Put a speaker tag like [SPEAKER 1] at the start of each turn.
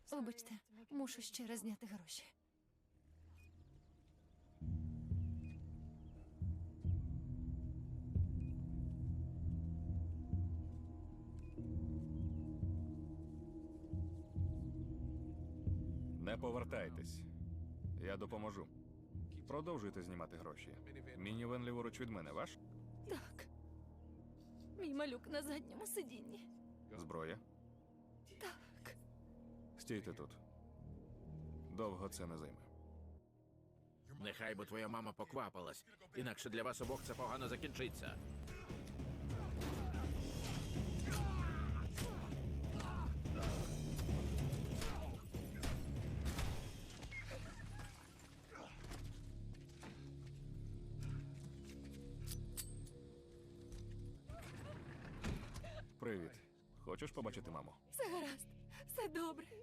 [SPEAKER 1] Вибачте, мушу ще раз зняти гроші.
[SPEAKER 2] Не повертайтесь. Я допоможу. Продовжуйте знімати гроші. Мінівен ліворуч від мене ваш?
[SPEAKER 1] Так. Мій малюк на задньому сидінні.
[SPEAKER 2] Зброя?
[SPEAKER 1] Так.
[SPEAKER 2] Стійте тут. Довго це не займе.
[SPEAKER 3] Нехай би твоя мама поквапилась, інакше для вас обох це погано закінчиться.
[SPEAKER 2] Привіт. Хочеш побачити маму?
[SPEAKER 1] Все гаразд. Все добре.